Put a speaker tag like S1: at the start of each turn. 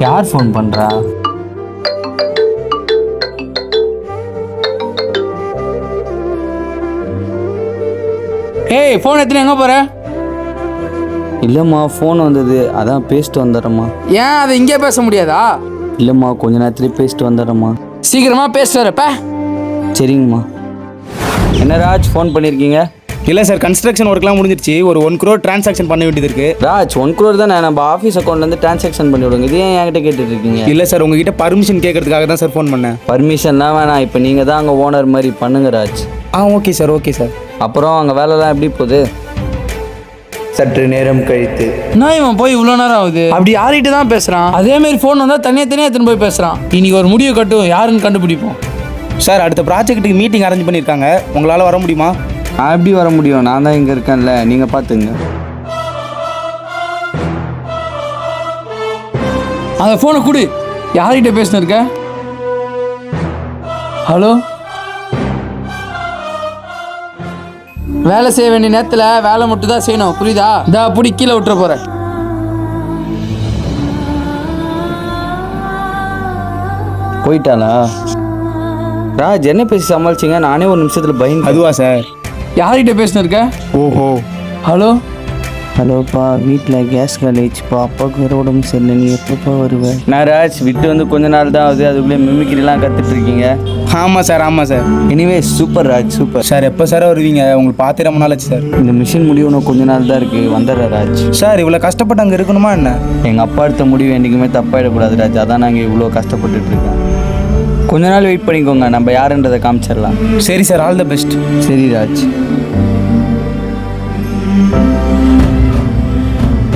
S1: யார் ஃபோன் பண்ணுறா? ஏய், ஃபோன் எடுத்துன்னு எங்கே போகிற?
S2: இல்லைம்மா, ஃபோன் வந்தது, அதான் பேசிட்டு வந்துடுறேம்மா.
S1: ஏன் அதை இங்கே பேச முடியாதா?
S2: இல்லைம்மா, கொஞ்ச நேரத்துலேயே பேசிட்டு வந்துடுறேம்மா.
S1: சீக்கிரமாக பேசிட்டு வரப்ப.
S2: சரிங்கம்மா. என்ன ராஜ், ஃபோன் பண்ணியிருக்கீங்க?
S3: இல்லை சார், கன்ஸ்ட்ரக்ஷன் ஒர்க்லாம் முடிஞ்சிருச்சு. ஒரு 1 crore டிரான்சாக்ஷன் பண்ண வேண்டியது இருக்குது.
S2: ராஜ், 1 crore தானே, நம்ம ஆஃபீஸ் அக்கௌண்ட்லேருந்து ட்ரான்சாக்ஷன் பண்ணி விடுங்க. இது ஏன் என்கிட்ட கேட்டுட்டு இருக்கீங்க?
S3: இல்லை சார், உங்ககிட்ட பர்மிஷன் கேட்கறதுக்காக தான் சார் ஃபோன் பண்ணேன்.
S2: பர்மிஷன்லாம் வேணாம், இப்போ நீங்கள் தான் அங்கே ஓனர் மாதிரி பண்ணுங்க Raj.
S3: Okay sir, okay sir.
S2: அப்புறம் அங்கே வேலைலாம் எப்படி போகுது?
S4: சற்று நேரம் கழித்து
S1: நான் இவன் போய் இவ்வளோ நேரம் ஆகுது. அப்படி யார்கிட்ட தான் பேசுகிறான்? அதேமாரி ஃபோன் வந்தால் தனியாக எடுத்துன்னு போய் பேசுகிறான். இன்னைக்கு ஒரு முடிவு கட்டும், யாருன்னு கண்டுபிடிப்போம்.
S3: சார், அடுத்த ப்ராஜெக்ட்டுக்கு மீட்டிங் அரேஞ்ச் பண்ணியிருக்காங்க. உங்களால் வர முடியுமா?
S2: நான் எப்படி வர முடியும்? நான் தான் இங்கே இருக்கேன்ல, நீங்கள் பார்த்துங்க.
S1: அந்த ஃபோனை கொடு. யார்கிட்ட பேசினு இருக்க? ஹலோ. வேலை செய்ய வேண்டிய நேரத்தில் வேலை மட்டும் தான் செய்யணும், புரியுதா? இதா அப்படி கீழே விட்டுற போகிறேன்.
S2: போயிட்டாளா? ராஜ், என்ன பேசி சமாளிச்சிங்க? நானே ஒரு நிமிஷத்தில் பயந்து.
S3: அதுவா சார்?
S1: யார்கிட்ட பேசினு இருக்க?
S3: ஓஹோ.
S1: ஹலோ.
S2: ஹலோப்பா, வீட்டில் கேஸ் காலேஜ்ப்பா, அப்பாவுக்கு வேறு உடம்பு சரியில்லை, நீ எப்பப்பா வருவேன்? நான் ராஜ், விட்டு வந்து கொஞ்ச நாள் தான் ஆகுது, அதுக்குள்ளே மிமிக்கிரிலாம் கற்றுட்டு இருக்கீங்க.
S3: ஆமாம் சார், ஆமாம் sir.
S2: Anyway super Raj, super.
S3: Sir, எப்போ சார் வருவீங்க? உங்களுக்கு பார்த்து ரொம்ப நாள் ஆச்சு சார்.
S2: இந்த மிஷின் முடிவு கொஞ்ச நாள் தான் இருக்குது, வந்துடுறேன் ராஜ்.
S3: சார், இவ்வளோ கஷ்டப்பட்டு அங்கே இருக்கணுமா என்ன?
S2: எங்கள் அப்பா எடுத்த முடிவு என்றைக்குமே தப்பாயிடக்கூடாது ராஜ், அதான் நாங்கள் இவ்வளோ கஷ்டப்பட்டுட்டு இருக்கோம். கொஞ்ச நாள் வெயிட் பண்ணிக்கோங்க, நம்ம யாருன்றதை காமிச்சிடலாம்.
S3: சரி சார், ஆல் த பெஸ்ட்.
S2: சரி ராஜ்.